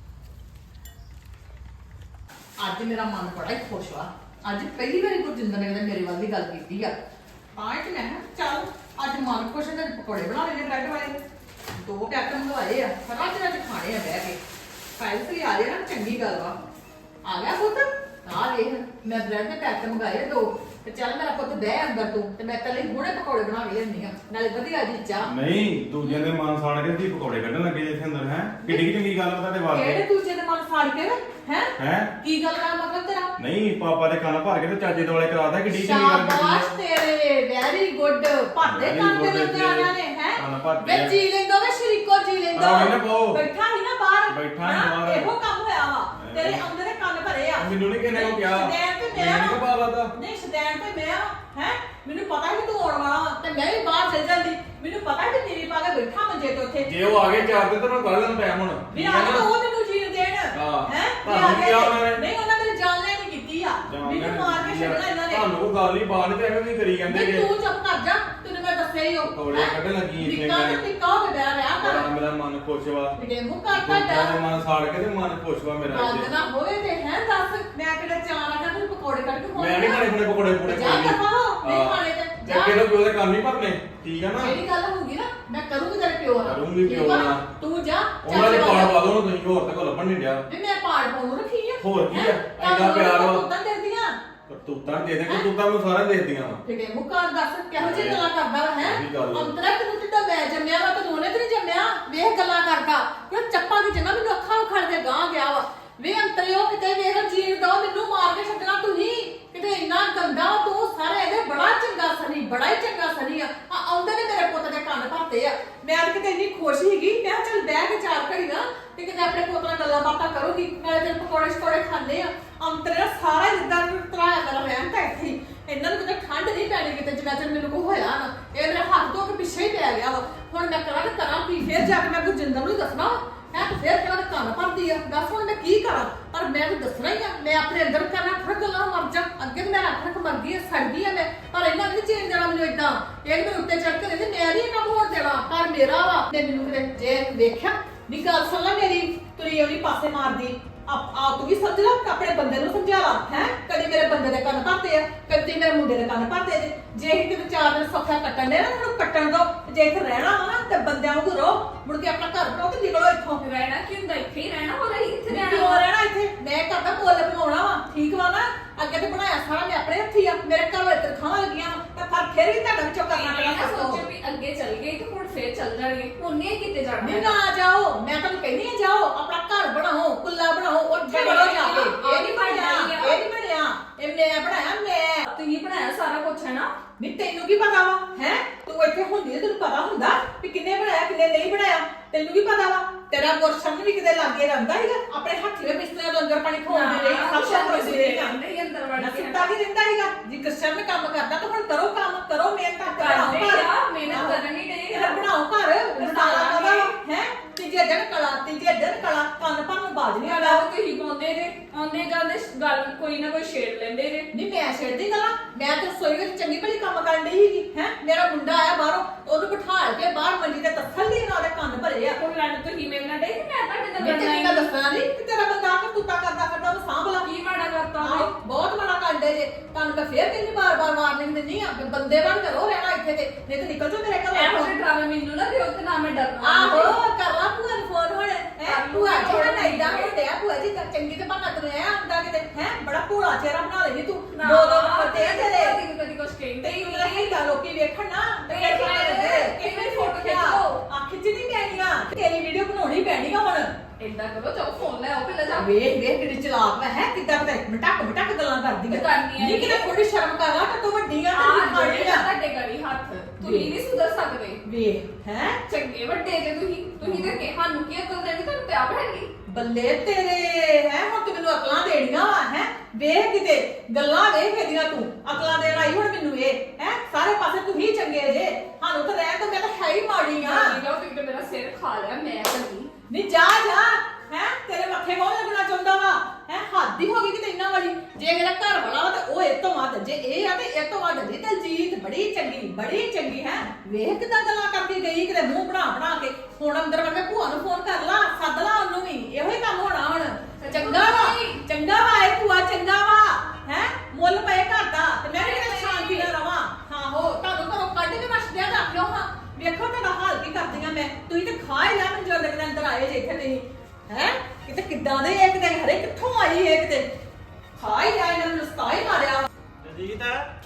S3: ਅੱਜ ਮੇਰਾ ਮਨ ਬੜਾ ਹੀ ਖੁਸ਼ ਆ। ਅੱਜ ਪਹਿਲੀ ਵਾਰੀ ਗੁਰਜਿੰਦਰ ਨੇ ਮੇਰੇ ਵੱਲ ਦੀ ਗੱਲ ਕੀਤੀ ਆ। ਤਾਂ ਕਿ ਮੈਂ ਕਿਹਾ ਚੱਲ ਅੱਜ ਮਨ ਖੁਸ਼ ਹੈ ਤੇ ਪਕੌੜੇ ਬਣਾ ਲੈਣੇ ਬ੍ਰੈਡ ਵਾਲੇ। ਦੋ ਪੈਕਟ ਮੰਗਵਾਏ ਆ, ਰੱਜ ਰੱਜ ਖਾਣੇ ਆ ਬਹਿ ਕੇ। ਫਾਈਲ ਤੇ ਆ ਜਾਏ ਨਾ ਚੰਗੀ ਗੱਲ ਵਾ। ਆ ਗਿਆ ਪੁੱਤ? ਆ ਵੇਖ ਮੈਂ ਬ੍ਰੈਡ ਦੇ ਪੈਕਟ ਮੰਗਾਏ ਦੋ ਤੇ ਚੱਲ ਮੇਰਾ ਪੁੱਤ ਬਹਿ ਅੰਦਰ ਤੂੰ ਤੇ ਮੈਂ ਕੱਲੇ ਹੁਣੇ ਪਕੌੜੇ ਬਣਾ ਕੇ ਲਿਆਉਂਦੀ ਆ, ਨਾਲੇ ਵਧੀਆ ਜੀ ਚਾਹ।
S4: ਨਹੀਂ ਦੂਜਿਆਂ ਦੇ ਮਨ ਸਾੜ ਕੇ ਤੁਸੀਂ ਪਕੌੜੇ ਕੱਢਣ ਲੱਗੇ ਇੱਥੇ ਅੰਦਰ ਹੈ। ਕਿੱਡੀ ਚੰਗੀ ਗੱਲ ਆ ਤੁਹਾਡੇ ਵਾਸਤੇ।
S3: ਕਿਹੜੇ ਦੂਜੇ ਦੇ ਮਨ ਸਾੜ ਕੇ ਹੈ?
S4: ਹੈ
S3: ਕੀ ਗੱਲ ਦਾ ਮਤਲਬ ਤੇਰਾ?
S4: ਨਹੀਂ ਪਾਪਾ ਦੇ ਕੰਨ ਭਰ ਕੇ ਤੇ ਚਾਚੇ ਦੁਆਲੇ ਕਰਾਦਾ। ਕਿੱਡੀ ਚੰਗੀ ਗੱਲ ਕੀਤੀ
S3: ਸ਼ਾਬਾਸ਼ ਤੇਰੇ, ਵੈਰੀ ਗੁੱਡ। ਭਾਦੇ
S4: Very
S3: ਕੰਨ
S4: good
S3: ਦੇ ਉੱਤੇ ਆਇਆ ਨੇ ਹੈ।
S4: ਕੰਨ ਭਰਦੇ ਆ।
S3: ਵੇ ਜੀ ਲੈਂਦੋ ਵੇ ਸ਼ਰੀਕੋ ਜੀ ਲੈਂਦੋ।
S4: ਆਹ ਵੇਖ ਨਾ ਪਾਓ।
S3: ਬੈਠਾ ਹੀ ਨਾ ਬਾਹਰ।
S4: ਬੈਠਾ ਹੀ
S3: ਹਾਂ,
S4: ਬਾਹਰ।
S3: ਇਹੋ ਕੰਮ ਹੋਇਆ ਵਾ। ਤੇਰੇ ਅੰਦਰ ਦੇ ਕੰਨ ਭਰੇ ਆ।
S4: ਮੈਨੂੰ ਨਹੀਂ ਕਿਹਨੇ ਕੋ ਕਿਹਾ।
S3: ਸਦੈਣ ਤੇ ਮੈਂ
S4: ਮੈਨੂੰ ਨਹੀਂ ਪਤਾ ਲੱਗਦਾ।
S3: ਨਹੀਂ ਸਦੈਣ ਤੇ ਮੈਂ ਹੈ। ਮੈਨੂੰ ਪਤਾ ਸੀ ਤੂੰ ਆਉਣ ਵਾਲਾ ਵਾ ਤੇ ਮੈਂ ਵੀ ਬਾਹਰ ਚੱਲ ਜਾਂਦੀ। ਮੈਨੂੰ ਪਤਾ ਸੀ ਤੇਰੀ ਪਾ ਕੇ ਬੈਠਾ ਮੰਜੇ ਤੇ ਉੱਥੇ।
S4: ਜੇ ਉਹ ਆ ਗਏ ਚਾਰ ਦਿਨ ਤਾਂ ਮੈਂ ਕੱਢ ਲੈਣ ਟਾਈਮ ਹੁਣ।
S3: ਵੀ ਆ ਕੇ ਉਹ ਮੈਨੂੰ ਜੀਣ ਦੇਣ ਹੈ।
S4: ਤੁਹਾਨੂੰ ਕੀ ਆ ਉਹਨਾਂ ਨੇ?
S3: ਨਹੀਂ ਉਹਨਾਂ ਮੇਰੀ ਜਾਨ ਲੈਣੀ ਕੀਤੀ ਆ। ਮੈਨੂੰ ਮਾਰ ਕੇ ਛੱਡਣਾ ਇਹਨਾਂ ਨੇ।
S4: ਤੁਹਾਨੂੰ ਕੋਈ ਗੱਲ ਨਹੀਂ ਬਾਹਰ ਤੇ ਐਵੇਂ ਵੀ ਕਰੀ ਜਾਂਦੇ
S3: ਨਹੀਂ
S4: ਜੇ।
S3: ਤੂੰ ਚੁੱਪ ਕਰ ਜਾ, ਤੈਨੂੰ ਮੈਂ ਦੱਸਿਆ ਹੀ ਉਹ
S4: ਪਕੌੜੇ ਕੱਢਣ ਲੱਗੀ ਇੱਥੇ
S3: ਨਿੱਕਾ ਤੇ
S4: ਮੈਂ।
S3: ਟਿੱਕਾ ਹੋ ਕੇ ਬਹਿ ਰਿਹਾ
S4: ਬੜਾ
S3: ਕਰ।
S4: ਮੇਰਾ ਮਨ ਖੁਸ਼ ਵਾ।
S3: ਮੇਰੇ ਮੂੰਹ ਕਰ
S4: ਦੂਜਿਆਂ ਦੇ
S3: ਤੁਹਾਡਾ
S4: ਮਨ ਸਾੜ ਕੇ ਤੇ ਮਨ ਖੁਸ਼ ਵਾ ਮੇਰਾ
S3: ਬੰਦ
S4: ਇੱਥੇ।
S3: ਨਾ ਹੋਵੇ ਤੇ ਹੈ ਦੱਸ ਮੈਂ ਕਿਹੜਾ ਚਾਰ ਆ ਤੈਨੂੰ ਪਕੌੜੇ ਕੱਢ ਕੇ
S4: ਮੈਂ ਨਹੀਂ ਖਾਣੇ ਆਪਣੇ ਪਕੌੜੇ ਪਕੌੜੇ
S3: ਜਾ ਦਫਾ ਹੋ, ਨਹੀਂ ਖਾਣੇ ਤੇ
S4: ਜਾ
S3: ਜਾ।
S4: ਕਿਹੜੇ ਪਿਓ ਦੇ ਕੰਮ ਨਹੀਂ ਭਰਨੇ। ਠੀਕ ਆ ਨਾ?
S3: ਜਿਹੜੀ ਗੱਲ ਹੋਊਗੀ ਨਾ ਮੈਂ ਕਰੂੰਗੀ ਤੇਰੇ ਪਿਓ ਨਾਲ।
S4: ਕਰੂੰਗੀ
S3: ਠੀਕ
S4: ਪਿਓ
S3: ਆ?
S4: ਨਾਲ।
S3: ਤੂੰ ਜਾ
S4: ਉਹਨਾਂ ਦੇ
S3: ਚੱਲ
S4: ਪਾੜ
S3: ਜਾ।
S4: ਪਾ ਦੋ ਤੁਸੀਂ ਹੋਰ ਤੇ ਕੋ ਲੱਭਣ ਨਹੀਂ ਡਿਆ।
S3: ਵੀ ਮੈਂ ਪਾੜ ਪਾਉਣ ਨੂੰ ਰੱਖੀ ਆ।
S4: ਹੋਰ ਕੀ ਆ?
S3: ਹੈਂ?
S4: ਇੰਨਾ ਪਿਆਰ ਵਾ।
S3: ਉਦਾਂ ਦਿੰਦੀਆਂ
S4: ਕਰਤੂਤਾਂ ਦੇ ਦੇ ਕਰਤੂਤਾਂ ਨੂੰ ਸਾਰਿਆਂ ਦੇਖਦੀਆਂ ਵਾ
S3: ਕਿਤੇ ਮੁਕਾਰ ਦੱਸ ਕਿਹੋ ਜਿਹੀ ਗੱਲਾਂ ਕਰਦਾ ਵਾ ਹੈ
S4: ਉਹੀ ਗੱਲ ਆ।
S3: ਅੰਤਰਾ ਤੈਨੂੰ ਜਿੱਦਾਂ ਮੈਂ ਜੰਮਿਆ ਵਾ ਤੈਨੂੰ ਉਹਨੇ ਤੇ ਨਹੀਂ ਜੰਮਿਆ ਵੇਖ ਗੱਲਾਂ ਕਰਦਾ ਉਹ ਚੱਪਾ ਦੀ ਜਿੰਨਾ ਮੈਨੂੰ ਅੱਖਾਂ ਉਖੜ ਕੇ ਗਾਂ ਗਿਆ ਵਾ ਵੇ ਅੰਤਰਿਓ ਕਿਤੇ ਵੇਖ ਜੀਣ ਦੋ ਮੈਨੂੰ ਮਾਰ ਕੇ ਛੱਡਣਾ ਤੁਸੀਂ ਕਿਤੇ ਇੰਨਾ ਗੰਦਾ ਵਾ ਤੂੰ ਸਾਰੇ ਇਹਦੇ ਬੜਾ ਚੰਗਾ ਸਨੀ ਬੜਾ ਹੀ ਚੰਗਾ ਸਨੀ ਆ ਆ ਆਉਂਦੇ ਨੇ ਮੇਰੇ ਪੁੱਤ ਦੇ ਕੰਨ ਭਰਤੇ ਆ ਮੈਂ ਅੱਜ ਕਿਤੇ ਇੰਨੀ ਖੁਸ਼ ਸੀਗੀ ਮੈਂ ਕਿਹਾ ਚੱਲ ਬਹਿ ਕੇ ਚਾਰ ਘੜੀ ਨਾ ਤੇ ਕਿਤੇ ਆਪਣੇ ਪੁੱਤ ਨਾਲ ਗੱਲਾਂ ਬਾਤਾਂ ਕਰੂਗੀ ਨਾਲੇ ਤੇਰੇ ਪਕੌੜੇ ਸ਼ਕੌੜੇ ਖਾਣੇ ਆ ਅੰਤਰੇ ਸਾਰਾ ਜਿੱਦਾਂ ਤਰਾਇਆ ਮੇਰਾ ਰਹਿਣ ਤਾਂ ਇੱਥੇ ਹੀ। ਇਹਨਾਂ ਨੂੰ ਕਿਤੇ ਠੰਡ ਨਹੀਂ ਪੈਣੀ ਕਿਤੇ ਜਿੰਨਾ ਚਿਰ ਮੈਨੂੰ ਕੋਈ ਹੋਇਆ ਨਾ ਇਹ ਮੇਰੇ ਹੱਥ ਧੋ ਕੇ ਪਿੱਛੇ ਹੀ ਪੈ ਗਿਆ ਵਾ ਹੁਣ ਮੈਂ ਕਰਾਂ ਤੇ ਕਰਾਂ ਕੀ ਫੇਰ ਜਾ ਕੇ ਮੈਂ ਗੁਰਜਿੰਦਰ ਨੂੰ ਹੀ ਦੱਸਣਾ ਹੈ ਤੇ ਫੇਰ ਕਿਹੜਾ ਕੰਨ ਭਰਦੀ ਆ ਦੱਸ ਹੁਣ ਮੈਂ ਕੀ ਕਰਾਂ ਪਰ ਮੈਂ ਤਾਂ ਦੱਸਣਾ ਹੀ ਆ ਮੈਂ ਆਪਣੇ ਅੰਦਰ ਕਰਨਾ ਫਿਰ ਗੱਲਾਂ ਮਰ ਜਾ ਅੱਗੇ ਤਾਂ ਮੈਂ ਰੱਖ ਰੱਖ ਮਰ ਗਈ ਆ ਸੜ ਗਈ ਆ ਮੈਂ ਪਰ ਇਹਨਾਂ ਨੇ ਚੇਂਜ ਜਾਣਾ ਮੈਨੂੰ ਇਦਾਂ ਇਹ ਮੇਰੇ ਉੱਤੇ ਚੜ ਕੇ ਰਹਿੰਦੇ ਮੈਂ ਨਹੀਂ ਇਹ ਕੰਮ ਹੋਣ ਦੇਣਾ ਪਰ ਮੇਰਾ ਵਾ ਤੇ ਮੈਨੂੰ ਕਿਤੇ ਜੇ ਵੇਖਿਆ ਵੀ ਗੱਲ ਸੁਣ ਲੈ ਮੇਰੀ ਤੁਰੀ ਉਹਦੀ ਪਾਸੇ ਮਾਰਦੀ ਆਪ ਆ ਤੂੰ ਵੀ ਸਮਝ ਲੈ ਆਪਣੇ ਬੰਦੇ ਨੂੰ ਸਮਝਾ ਲਾ ਹੈ ਕਦੀ ਮੇਰੇ ਬੰਦੇ ਦੇ ਕੰਨ ਭਰਤੇ ਆ ਕਦੀ ਮੇਰੇ ਮੁੰਡੇ ਦੇ ਕੰਨ ਭਰਤੇ ਜੇ ਜੇ ਇਹ ਤੇ ਚਾਰ ਦਿਨ ਸੌਖਾ ਕੱਟਣ ਦੇ ਨਾ ਉਹਨੂੰ ਕੱਟਣ ਦੋ ਜੇ ਇੱਥੇ ਰਹਿਣਾ ਵਾ ਨਾ ਤੇ ਬੰਦਿਆਂ ਨੂੰ ਰੋ ਮੁੜ ਕੇ ਆਪਣਾ ਘਰ ਬਣਾਓ ਤੇ ਨਿਕਲੋ ਇੱਥੋਂ
S5: ਰਹਿਣਾ ਕੀ ਹੁੰਦਾ ਇੱਥੇ ਹੀ ਰਹਿਣਾ ਹੋਰ ਅਸੀਂ ਕਿੱਥੇ
S3: ਕਿਉਂ
S5: ਰਹਿਣਾ
S3: ਰਹਿਣਾ ਇੱਥੇ ਮੈਂ ਕਰਦਾ ਮੁੱਲ ਬਣਾਉਣਾ ਵਾ ਠੀਕ ਵਾ ਨਾ ਅੱਗੇ ਤੇ ਬਣਾਇਆ ਸਾਰਾ ਮੈਂ ਆਪਣੇ ਹੱਥੀ ਆ ਮੇਰੇ ਘਰ ਵਿੱਚ ਤਨਖਾਹਾਂ ਲੱਗੀਆਂ ਵਾ ਤਾਂ ਫਿਰ ਫਿਰ ਵੀ ਤੁਹਾਡਾ ਵਿੱਚੋਂ ਕਰਨਾ
S5: ਮੈਂ
S3: ਪੈਣਾ
S5: ਨਾ
S3: ਸਭ ਤੋਂ
S5: ਸੋਚਿਆ ਵੀ ਅੱਗੇ ਚੱਲ ਗਏ ਤੇ ਹੁਣ ਫੇਰ ਚੱਲ ਜਾਣਗੇ ਹੁਣ ਨਹੀਂ ਕਿਤੇ ਜਾਣਾ
S3: ਨਹੀਂ ਨਾ ਜਾਓ ਮੈਂ ਤੁਹਾਨੂੰ ਕਹਿੰਦੀ ਆ ਜਾਓ ਆਪਣਾ ਘਰ ਬਣਾਓ ਕੁੱਲਾ ਬਣਾਓ ਉੱਥੇ ਬਣੋ ਜਾ ਕੇ ਇਹ ਨਹੀਂ ਬਣਿਆ ਇਹ ਨਹੀਂ ਬਣਿਆ ਇਹ ਮੈਂ ਬਣਾਇਆ ਮੈਂ
S5: ਤੁਸੀਂ ਬਣਾਇਆ ਸਾਰਾ ਕੁਝ ਹੈ ਨਾ
S3: ਨਹੀਂ ਤੈਨੂੰ ਕੀ ਪਤਾ ਵਾ ਹੈ ਤੂੰ ਇੱਥੇ ਹੁੰਦੀ ਤੇ ਤੈਨੂੰ ਪਤਾ ਹੁੰਦਾ ਵੀ ਕਿੰਨੇ ਬਣਾਇਆ ਕਿੰਨੇ ਨਹੀਂ ਬਣਾਇਆ ਤੈਨੂੰ ਕੀ ਪਤਾ ਵਾ ਤੇਰਾ ਗੁਰਸ਼ਨ ਵੀ ਕਿਤੇ ਲਾਗੇ ਰਹਿੰਦਾ ਹੈਗਾ ਆਪਣੇ ਹੱਥੀ ਵਿੱਚ ਬਿਸਤਰੇ ਲੰਗਰ ਪਾਣੀ ਖਵਾਉਂਦੀ ਰਹੀ ਸਭ ਕੁਝ ਕਰਦੀ ਰਹੀ
S5: ਅੰਦਰ ਹੀ ਅੰਦਰ ਵੜ
S3: ਨਾ
S5: ਕੇ
S3: ਸੁੱਤਾ ਵੀ ਰਹਿੰਦਾ ਹੈਗਾ ਜੀ ਗੁਰਸ਼ਨ ਕੰਮ ਕਰਦਾ ਤਾਂ ਹੁਣ ਕਰੋ ਕੰਮ ਕਰੋ ਮਿਹਨਤ
S5: ਕਰਦੇ
S3: ਬਣਾਓ ਘਰ
S5: ਆ ਮਿਹਨਤ ਕਰਨ ਹੀ ਡਏ
S3: ਇਹ ਬਣਾਓ ਘਰ ਬਸਾਲਾ ਕਦਾ ਹੈ ਤੀਜੇ ਦਿਨ ਕਲਾ ਤੀਜੇ ਦਿਨ ਕਲਾ ਕੰਨ ਭਰ ਨੂੰ ਬਾਜ ਨਹੀਂ ਆਉਂਦਾ
S5: ਗੱਲ ਤੁਸੀਂ ਪਾਉਂਦੇ ਜੇ ਆਉਂਦੇ ਜਾਂਦੇ ਗੱਲ ਕੋਈ ਨਾ ਕੋਈ ਛੇੜ ਲੈਂਦੇ ਜੇ
S3: ਨਹੀਂ ਮੈਂ ਛੇੜਦੀ ਗਲਾ ਮੈਂ ਤੇ ਰਸੋਈ ਵਿੱਚ ਚੰਗੀ ਭਲੀ ਕੰਮ ਕਰਨ ਡਈ ਸੀਗੀ ਹੈ ਮੇਰਾ ਮੁੰਡਾ ਆਇਆ ਬਾਹਰੋਂ ਉਹਨੂੰ ਬਿਠਾ ਕੇ ਬਾਹਰ ਮੰਜੀ ਤੇ ਤਸੱਲੀ ਨਾਲ ਉਹਦੇ ਕੰਨ ਭਰੇ ਆ
S5: ਹੁਣ ਲੜਨ ਤੁਸੀਂ ਮੇਰੇ ਨਾਲ ਡੇ ਕਿ ਮੈਂ ਤੁਹਾਡੇ ਨਾਲ
S3: ਮੈਂ
S5: ਲੜਨਾ
S3: ਤੈਨੂੰ
S5: ਹੀ
S3: ਤਾਂ ਦੱਸਣਾ ਨਹੀਂ ਕਿ ਤੇਰਾ ਬੰਦਾ ਆ ਕੇ ਕੁੱਤਾ ਕਰਦਾ ਕਰਦਾ ਉਹਨੂੰ ਸਾਂਭ ਲਾ
S5: ਕੀ ਮਾੜਾ ਕਰਤਾ
S3: ਆਹੋ,
S5: ਉਹਨੇ
S3: ਬਹੁਤ ਮਾੜਾ ਕਰਦੇ ਜੇ ਤੁਹਾਨੂੰ ਮੈਂ ਫੇਰ ਕਿੰਨੀ ਵਾਰ ਵਾਰ ਵਾਰਨਿੰਗ ਦਿੰਦੀ ਆ ਵੀ ਬੰਦੇ ਬਣ ਕੇ ਰਹੋ ਰਹਿਣਾ ਇੱਥੇ ਤੇ ਨਹੀਂ ਤੇ ਨਿਕਲ ਜਾਓ ਮੇਰੇ
S5: ਇਹੋ
S3: ਘਰੋਂ
S5: ਜਿਹੇ ਡਰਾਵੇ ਮੈਨੂੰ ਨਾ ਦਿਓ ਤੇ ਨਾ ਮੈਂ ਡਰਨਾ
S3: ਆਹੋ ਕਰ ਲਾ ਭੂਆ ਨੂੰ ਫੋਨ ਹੁਣ ਹੈ ਭੂਆ ਥੋੜਾ ਨਾਈਦਾ ਹੁੰਦੇ ਆ ਭੂਆ ਜੀ ਤਾਂ ਚੰਗੀ ਤੇ ਬਣਾ ਤੂੰ ਐ ਆਉਂਦਾ ਕਿਤੇ ਹੈ ਬੜਾ ਭੂਲਾ ਚਿਹਰਾ ਬਣਾ ਲੈਣੀ ਤੂੰ
S5: ਨਾ,
S3: ਦੋ ਦੋ ਫਤੇ ਆ ਤੇਰੇ
S5: ਕਦੀ ਕਦੀ ਕੁਛ ਕਹਿੰਦੇ ਹੀ
S3: ਤੈਨੂੰ ਨਹੀਂ ਤਾਂ ਲੋਕੀ ਵੇਖਣ ਨਾ
S5: ਵੇਖ ਲੈਂਦੇ, ਕਿਵੇਂ photo ਖਿੱਚ ਲਓ।
S3: ਆ ਖਿੱਚਣੀ ਪੈਣੀ ਆ ਤੇਰੀ ਵੀਡੀਓ ਬਣਾਉਣੀ ਪੈਣੀ ਆ ਹੁਣ
S5: ਏਦਾਂ ਕਰੋ ਜਾਓ ਫੋਨ ਲੈ ਆਓ ਪਹਿਲਾਂ ਜਾ
S3: ਵੇਖ ਵੇਖ ਕਿਹੜੀ ਚਲਾਕ ਮੈਂ ਹੈ ਕਿੱਦਾਂ ਪਤਾ ਮਟਕ ਮਟਕ ਗੱਲਾਂ ਕਰਦੀ ਆ
S5: ਕਰਨੀ ਆ
S3: ਨਹੀਂ ਕਿਤੇ ਥੋੜੀ ਸ਼ਰਮ ਕਰ ਲਾ ਤਾਂ ਤੂੰ ਵੱਡੀ ਆ
S5: ਆਹ
S3: ਤੇਰੀ ਖਾਣੀ
S5: ਜਿਹੜੇ
S3: ਆ
S5: ਤੁਹਾਡੇ ਗੜੀ ਹੱਥ ਤੁਸੀਂ ਨਹੀਂ ਸੁਧਰ ਸਕਦੇ
S3: ਵੇਖ ਹੈ
S5: ਚੰਗੇ ਵੱਡੇ ਜੇ ਤੁਸੀਂ ਤੁਸੀਂ ਤੇ ਕਿ ਸਾਨੂੰ ਕੀ ਅਕਲ ਦੇਣੀ ਤੁਹਾਨੂੰ ਤੇ ਆਪ ਹੈ ਨਹੀਂ
S3: ਬੱਲੇ ਤੇਰੇ ਹੈ ਹੁਣ ਤੂੰ ਮੈਨੂੰ ਅਕਲਾਂ ਦੇਣੀਆਂ ਵਾ ਹੈ ਵੇਖ ਕਿਤੇ ਗੱਲਾਂ ਵੇਖ ਇਹਦੀਆਂ ਤੂੰ ਅਕਲਾਂ ਦੇਣ ਆਈ ਹੁਣ ਮੈਨੂੰ ਇਹ ਹੈ ਸਾਰੇ ਪਾਸੇ ਤੂੰ ਹੀ ਚੰਗੇ ਜੇ ਸਾਨੂੰ ਤਾਂ ਰਹਿ ਤਾਂ ਮੈਂ ਤਾਂ ਹੈ ਹੀ ਮਾੜੀ ਆ
S5: ਜਾਓ ਤੁਸੀਂ ਤੇ ਮੇਰਾ ਸਿਰ ਖਾ ਲਿਆ ਮੈਂ ਕੱਲੀ
S3: ਨਹੀਂ ਜਾ ਜਾ ਹੈ ਤੇਰੇ ਮੱਥੇ ਕੌਣ ਲੱਗਣਾ ਚਾਹੁੰਦਾ ਵਾ ਹੈ ਹੱਦ ਹੀ ਹੋ ਗਈ ਕਿਤੇ ਇੰਨਾ ਵਾਲੀ ਜੇ ਮੇਰਾ ਘਰ ਵਾਲਾ ਵਾ ਤਾਂ ਉਹ ਇਹ ਤੋਂ ਵੱਧ ਜੇ ਇਹ ਆ ਤੇ ਇਹ ਤੋਂ ਵੱਧ ਜੇ ਦਲਜੀਤ ਬੜੀ ਚੰਗੀ ਬੜੀ ਚੰਗੀ ਹੈ ਵੇਖ ਕਿਦਾਂ ਗੱਲਾਂ ਕਰਦੀ ਗਈ ਕਿਤੇ ਮੂੰਹ ਬਣਾ ਬਣਾ ਕੇ ਹੁਣ ਅੰਦਰ ਵੜ ਕੇ ਭੂਆ ਨੂੰ ਫੋਨ ਕਰ ਲਾ ਸੱਦ ਲਾ ਉਹਨੂੰ ਵੀ ਇਹੋ ਹੀ ਕੰਮ ਹੋਣਾ ਹੁਣ ਚੰਗਾ ਵਾ ਚੰਗਾ ਵਾ ਇਹ ਭੂਆ ਚੰਗਾ ਵਾ ਹੈ ਮੁੱਲ ਪਏ ਘਰ ਦਾ ਤੇ ਮੈਂ ਵੀ ਸ਼ਾਂਤੀ ਨਾਲ ਰਵਾਂ ਹਾਂ ਹੋ ਤੁਹਾਨੂੰ ਘਰੋਂ ਕੱਢ ਕੇ ਮਛਦਿਆ ਰੱਖ ਲਿਓ ਹਾਂ ਵੇਖੋ ਤੁਹਾਡਾ ਹਾਲ ਕੀ ਕਰਦੀਆਂ ਮੈਂ ਤੁਸੀਂ ਤੇ ਖਾ ਹੀ ਲਿਆ ਮੈਨੂੰ ਲੱਗਦਾ ਅੰਦਰ ਆਏ ਜੇ ਇੱਥੇ ਤੁਸੀਂ ਹੈ ਕਿਤੇ ਕਿੱਦਾਂ ਦੇ ਇੱਕ ਦਿਨ ਹਰੇ ਕਿੱਥੋਂ ਆਈ ਇਹ ਕਿਤੇ ਖਾ ਹੀ ਲਿਆ ਇਹਨਾਂ ਨੂੰ ਨਸਤਾ ਹੀ ਮਾਰਿਆ
S2: ਜੀਤ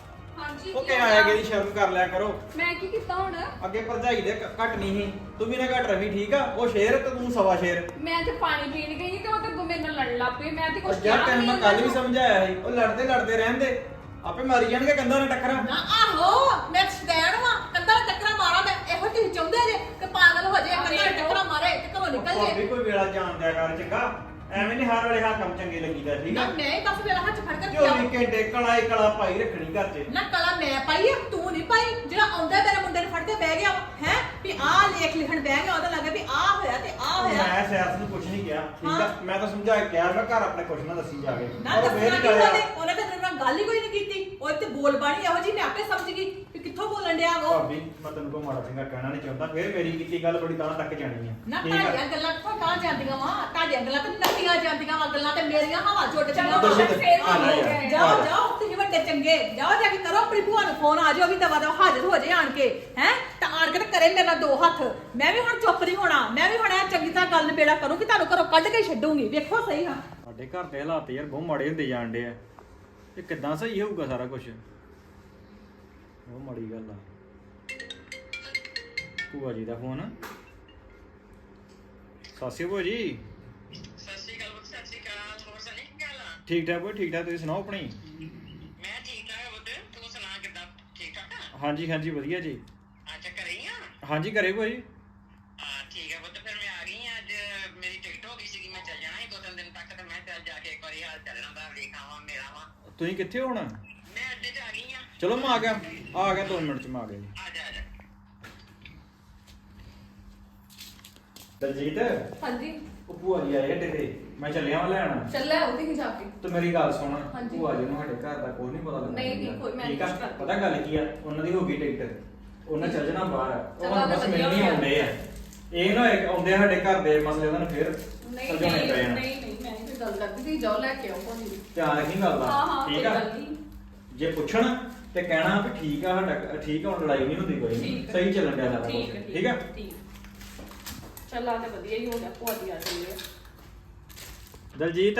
S5: ਹਾਂਜੀ
S2: ਉਹ
S5: ਕੀ
S2: ਕਿ
S5: ਹੋਇਆ?
S2: ਆਇਆ ਕਿ ਸ਼ਰਮ ਕਰ ਲਿਆ ਕਰੋ
S5: ਮੈਂ ਕੀ ਕੀਤਾ ਹੁਣ
S2: ਅੱਗੇ ਭਰਜਾਈ ਦੇ ਘ- ਘੱਟ ਨਹੀਂ ਸੀ ਤੂੰ ਵੀ ਨਾ ਘੱਟ ਰਵੀ ਠੀਕ ਆ ਉਹ ਸ਼ੇਰ ਤੇ ਤੂੰ ਸਵਾ ਸ਼ੇਰ
S5: ਮੈਂ ਤੇ ਪਾਣੀ ਪੀਣ ਗਈ ਤੇ ਉਹ ਤੇ ਗੁੰਮੇ ਨਾਲ ਲੜਨ ਲੱਗ ਪਈ ਮੈਂ ਤੇ ਕੁਝ
S2: ਉਹ ਯਾਰ ਤੈਨੂੰ ਮੈਂ ਕੱਲ ਵੀ ਸਮਝਾਇਆ ਸੀ ਉਹ ਲੜਦੇ ਲੜਦੇ ਰਹਿੰਦੇ ਆਪੇ ਮਾਰੀ ਜਾਣਗੇ ਕੰਧਾਂ ਨਾਲ ਟੱਕਰਾਂ
S3: ਨਾ ਆਹੋ ਮੈਂ ਸਟੈਂਡ ਵਾਂ ਕੰਧਾਂ ਨਾਲ ਟੱਕਰਾਂ ਮਾਰਾਂ ਮੈਂ ਇਹੋ ਤੁਸੀਂ ਚਾਹੁੰਦੇ ਜੇ ਕਿ ਪਾਗਲ ਹੋ ਜਾਏ ਕੰਧਾਂ ਨਾਲ ਟੱਕਰਾਂ ਮਾਰੇ ਤੇ ਘਰੋਂ ਨਿਕਲ
S2: ਭਾਬੀ
S3: ਜੇ
S2: ਕੋਈ ਵੇਲਾ ਜਾਣ ਦਿਆ ਕਰ ਚੰਗਾ ਐਵੇਂ ਨਹੀਂ ਹਰ ਵੇਲੇ ਹਾਂ ਕੰਮ ਚੰਗੇ ਲੱਗੀਦਾ ਠੀਕ
S3: ਨਾ
S2: ਆ
S3: ਮੈਂ ਹੀ ਬਸ ਮੇਰਾ ਹੱਥ ਫੜ ਕੇ
S2: ਜੋ ਵੀ ਘੰਟੇ ਕਲਾ ਹੀ ਕਲਾ ਪਾਈ ਰੱਖਣੀ ਘਰ 'ਚ
S3: ਨਾ ਕਲਾ ਮੈਂ ਪਾਈ ਆ ਤੂੰ ਨਹੀਂ ਪਾਈ ਜਿਹੜਾ ਆਉਂਦਾ ਮੇਰੇ ਮੁੰਡੇ ਨੂੰ ਫੜ ਕੇ ਬਹਿ ਗਿਆ ਹੈ ਵੀ ਆਹ ਲੇਖ ਲਿਖਣ ਬਹਿ ਗਿਆ ਉਹਦਾ ਲੱਗਾ ਵੀ ਆਹ ਹੋਇਆ ਤੇ ਆਹ ਹੋਇਆ
S2: ਮੈਂ ਸਿਆਸਤ ਨੂੰ ਕੁਝ ਨਹੀਂ ਕਿਹਾ ਠੀਕ ਆ
S3: ਹਾਂ।
S2: ਮੈਂ ਤਾਂ ਸਮਝਾ ਕੇ ਕਿਹਾ ਮੈਂ ਘਰ ਆਪਣੇ ਕੁਝ ਨਾ ਦੱਸੀ ਜਾ ਕੇ
S3: ਨਾ
S2: ਉਹ
S3: ਦੱਸਣਾ
S2: ਫੇਰ
S3: ਨਹੀਂ
S2: ਕਰਿਆ।
S3: ਉਹਨੇ ਉਹਨੇ ਤਾਂ ਮੇਰੇ ਨਾਲ ਗੱਲ ਹੀ ਕੋਈ ਨਹੀਂ ਕੀਤੀ ਉਹ ਇੱਥੇ ਬੋਲ ਬਾਣੀ ਇਹੋ ਜੀ ਮੈਂ ਆਪੇ ਸਮਝ ਗਈ ਵੀ ਕਿੱਥੋਂ ਬੋਲਣ ਡਿਆ ਉਹ
S2: ਭਾਬੀ ਮੈਂ ਤੈਨੂੰ ਕੋਈ ਮਾੜਾ ਚੰਗਾ ਕਹਿਣਾ ਨਹੀਂ ਚਾਹੁੰਦਾ ਫੇਰ ਮੇਰੀ ਕੀਤੀ ਗੱਲ ਬੜੀ ਤਾਂ ਤੱਕ ਜਾਣੀ ਆ
S3: ਨਾ
S2: ਠੀਕ ਆ
S3: ਤੁਹਾਡੀਆਂ ਗੱਲਾਂ ਕਿੱਥੋਂ ਕਹਾਂ ਜਾਂਦੀਆਂ ਵਾ ਤੁਹਾਡੀਆਂ ਗੱਲਾਂ ਤੇ ਨੱਤੀਆਂ ਜਾਂਦੀਆਂ ਵਾ ਗੱਲਾਂ ਤੇ ਮੇਰੀਆਂ ਹਵਾ ਚੁੱਟ
S5: ਚਲੋ
S3: ਜਾਂਦੀਆਂ
S2: ਦੱਸੋ
S3: ਵਾ।
S2: ਤੇ,
S5: ਫੇਰ
S2: ਆ ਜਾ
S5: ਹੋ
S2: ਯਾਰ।
S5: ਗਏ।
S3: ਜਾਓ ਜਾਓ ਤੁਸੀਂ ਵੱਡੇ ਚੰਗੇ ਜਾਓ ਜਾ ਕੇ ਕਰੋ ਆਪਣੀ ਭੂਆ ਨੂੰ ਫੋਨ ਆ ਜਾਓ ਵੀ ਦਵਾ ਦਵਾ ਹਾਜ਼ਰ ਹੋ ਜੇ ਆਣ ਕੇ ਹੈ ਤਾਂ ਆਣ ਕੇ ਤੇ ਕਰੇ ਮੇਰੇ ਨਾਲ ਦੋ ਹੱਥ ਮੈਂ ਵੀ ਹੁਣ ਚੁੱਪ ਨਹੀਂ ਹੋਣਾ ਮੈਂ ਵੀ ਹੁਣ ਇਹ ਚੰਗੀ ਤਰ੍ਹਾਂ ਗੱਲ ਨਿਬੇੜਾ ਕਰੂੰ ਕਿ ਤੁਹਾਨੂੰ ਘਰੋਂ ਕੱਢ ਕੇ ਛੱਡੂੰਗੀ ਵੇਖੋ ਸਹੀ ਹਾਂ
S2: ਸਾਡੇ ਘਰ ਦੇ ਹਾਲਾਤ ਯਾਰ ਬਹੁਤ ਮਾੜੇ ਹੁੰਦੇ ਜਾਣ ਡੇ ਆ ਇਹ ਕਿੱਦਾਂ ਸਹੀ ਹੋਊਗਾ ਸਾਰਾ ਕੁਝ? ਉਹ ਮਾੜੀ ਗੱਲ ਆ। ਭੂਆ ਜੀ ਦਾ ਫੋਨ। ਸਾਸੀ ਭੂਆ ਜੀ।
S6: ਸਤਿ ਸ਼੍ਰੀ ਅਕਾਲ ਪੁੱਤ, ਸਤਿ ਸ਼੍ਰੀ ਅਕਾਲ। ਹੋਰ ਸੁਣੀ ਕੀ ਗੱਲ ਆ?
S2: ਠੀਕ ਠਾਕ ਭੂਆ, ਠੀਕ ਠਾਕ। ਤੁਸੀਂ ਸੁਣਾਓ ਆਪਣੀ।
S6: ਮੈਂ ਠੀਕ ਠਾਕ ਆ ਪੁੱਤ, ਤੂੰ ਸੁਣਾ ਕਿੱਦਾਂ? ਠੀਕ ਠਾਕ ਆ?
S2: ਹਾਂਜੀ ਹਾਂਜੀ ਵਧੀਆ ਜੀ।
S6: ਅੱਛਾ ਘਰੇ ਹੀ ਆ?
S2: ਹਾਂਜੀ ਘਰੇ ਭੂਆ ਜੀ।
S6: ਹਾਂ ਠੀਕ ਆ ਪੁੱਤ, ਫਿਰ ਮੈਂ ਆ ਗਈ ਆ। ਅੱਜ ਮੇਰੀ ਟਿਕਟ ਹੋ ਗਈ ਸੀਗੀ, ਮੈਂ ਚੱਲ ਜਾਣਾ ਸੀ ਦੋ ਤਿੰਨ ਦਿਨ ਤੱਕ, ਤੇ ਮੈਂ ਚੱਲ ਜਾ ਕੇ ਇੱਕ ਵਾਰੀ ਹਾਲ ਚੱਲਣਾ ਦਾ ਵੇਖ ਆਵਾਂ, ਮਿਲ ਆਵਾਂ।
S2: ਤੁਸੀਂ ਕਿੱਥੇ ਹੋ ਹੁਣ?
S6: ਮੈਂ ਅੱਡੇ 'ਚ ਆ ਗਈ ਆ।
S2: ਚਲੋ ਮੈਂ ਆ ਗਿਆ, ਆ ਗਿਆ ਦੋ ਮਿੰਟ ਚ ਮੈਂ ਆ ਗਿਆ ਜੀ।
S6: ਆ ਜਾ ਆ ਜਾ।
S2: ਦਲਜੀਤ,
S5: ਹਾਂਜੀ
S2: ਉਹ ਭੂਆ ਜੀ ਆਏ ਅੱਡੇ ਤੇ, ਮੈਂ ਚੱਲਿਆ ਵਾਂ ਲੈਣ।
S5: ਚੱਲ ਆਓ ਤੇ ਜਾ ਕੇ।
S2: ਤੇ ਮੇਰੀ ਗੱਲ ਸੁਣ,
S5: ਹਾਂਜੀ।
S2: ਭੂਆ ਜੀ ਨੂੰ ਸਾਡੇ ਘਰ ਦਾ ਕੋਈ ਨਹੀਂ ਪਤਾ ਲੱਗਦਾ।
S5: ਨਹੀਂ, ਨਹੀਂ, ਕੋਈ ਮੈਂ
S2: ਠੀਕ ਆ,
S5: ਨਹੀਂ ਕਰਦੀ।
S2: ਪਤਾ ਗੱਲ ਕੀ ਆ, ਉਹਨਾਂ ਦੀ ਹੋ ਗਈ ਟਿਕਟ, ਉਹਨਾਂ ਚੱਲ ਜਾਣਾ ਬਾਹਰ। ਉਹ
S5: ਚਲੋ
S2: ਹੁਣ ਬਸ
S5: ਵਧੀਆ
S2: ਮਿਲਣੀ
S5: ਹੋਇਆ।
S2: ਆਉਂਦੇ ਆ। ਇਹ ਨਾ ਹੋਏ ਕਿ ਆਉਂਦੇ ਆ ਸਾਡੇ ਘਰ ਦੇ ਮਸਲੇ ਉਹਨਾਂ ਨੂੰ ਫੇਰ
S5: ਨਹੀਂ
S2: ਸੁਲਝਾਉਣੇ
S5: ਨਹੀਂ
S2: ਪੈ ਜਾਣ।
S5: ਨਹੀਂ ਨਹੀਂ ਮੈਂ ਨਹੀਂ ਗੱਲ ਕਰਦੀ, ਤੁਸੀਂ ਜਾਓ ਲੈ ਕੇ ਆਓ ਭਾਜੀ ਨੂੰ।
S2: ਧਿਆਨ ਰੱਖੀ ਗੱਲ ਦਾ।
S5: ਹਾਂ ਹਾਂ ਕੋਈ
S2: ਠੀਕ ਆ,
S5: ਗੱਲ ਨਹੀਂ।
S2: ਜੇ ਪੁੱਛਣ ਤੇ ਕਹਿਣਾ ਵੀ ਠੀਕ ਆ, ਸਾਡਾ ਠੀਕ ਆ, ਹੁਣ ਲੜਾਈ ਨਹੀਂ ਹੁੰਦੀ ਕੋਈ ਨਹੀਂ,
S5: ਠੀਕ ਆ।
S2: ਸਹੀ ਚੱਲਣ ਡਿਆ ਸਾਰਾ ਕੁਛ।
S5: ਠੀਕ ਹੈ
S2: ਠੀਕ ਆ।
S5: ਠੀਕ। ਚੱਲ ਆ ਤੇ ਵਧੀਆ ਹੀ ਹੋ ਗਿਆ, ਭੂਆ ਜੀ ਆ ਚੱਲੇ ਆ।
S2: ਦਲਜੀਤ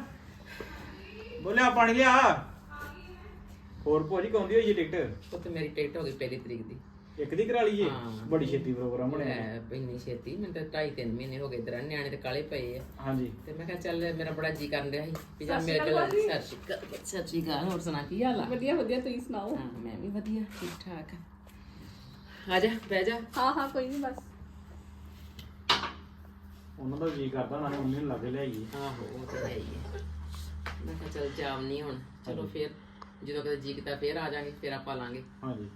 S2: ਬੋਲਿਆ ਪਾਣੀ ਲਿਆ। ਹੋਰ ਭੂਆ ਜੀ ਕੌਂਦੀ ਹੋਈ ਜੀ ਟਿਕਟ?
S7: ਉਹ ਤੇ ਮੇਰੀ ਟਿਕਟ ਹੋ ਗਈ ਪਹਿਲੀ ਤਰੀਕ ਦੀ।
S2: ਇੱਕ ਦੀ ਕਰਾ ਲਈਏ?
S7: ਹਾਂ।
S2: ਬੜੀ ਛੇਤੀ ਪ੍ਰੋਗਰਾਮ ਬਣਿਆ।
S7: ਮੈਂ ਇੰਨੀ ਛੇਤੀ, ਮੈਨੂੰ ਤਾਂ ਢਾਈ ਤਿੰਨ ਮਹੀਨੇ ਹੋ ਗਏ ਇਧਰ ਨਿਆਣੇ ਤੇ ਕਾਲੇ ਪਏ ਆ।
S2: ਹਾਂਜੀ।
S7: ਤੇ ਮੈਂ ਕਿਹਾ ਚੱਲ ਮੇਰਾ ਬੜਾ ਜੀ ਕਰਨ ਰਿਹਾ ਸੀ ਵੀ ਜਾ
S5: ਸਤਿ
S7: ਮੇਰੇ
S5: ਸ਼੍ਰੀ
S7: ਕੋਲ
S5: ਅਕਾਲ ਜੀ।
S7: ਸਤਿ ਸ਼੍ਰੀ ਅਕਾਲ ਸਤਿ ਸ਼੍ਰੀ ਅਕਾਲ। ਹੋਰ ਸੁਣਾ ਕੀ ਹਾਲ ਆ?
S5: ਵਧੀਆ ਵਧੀਆ, ਤੁਸੀਂ ਸੁਣਾਓ?
S7: ਹਾਂ ਮੈਂ ਵੀ ਵਧੀਆ, ਠੀਕ ਠਾਕ ਆ ਜਾ ਬਹਿ ਜਾ।
S5: ਹਾਂ ਹਾਂ ਕੋਈ ਨਹੀਂ, ਬਸ
S2: ਉਹਨਾਂ ਦਾ ਜੀ ਕਰਦਾ ਨਾ ਮੰਮੀ ਨੂੰ ਲੱਗੇ ਲਿਆਈਏ।
S7: ਆਹੋ ਉਹ ਤਾਂ ਹੈ ਹੀ ਹੈ। ਮੈਂ ਕਿਹਾ ਚੱਲ ਜਾਮ ਨਹੀਂ ਹੁਣ, ਚਲੋ ਫੇਰ ਜਦੋਂ ਕਦੇ ਜੀ ਕੀਤਾ ਫੇਰ ਆ ਜਾਾਂਗੇ, ਫੇਰ ਆਪਾਂ ਲਾਂਗੇ।
S2: ਹਾਂਜੀ।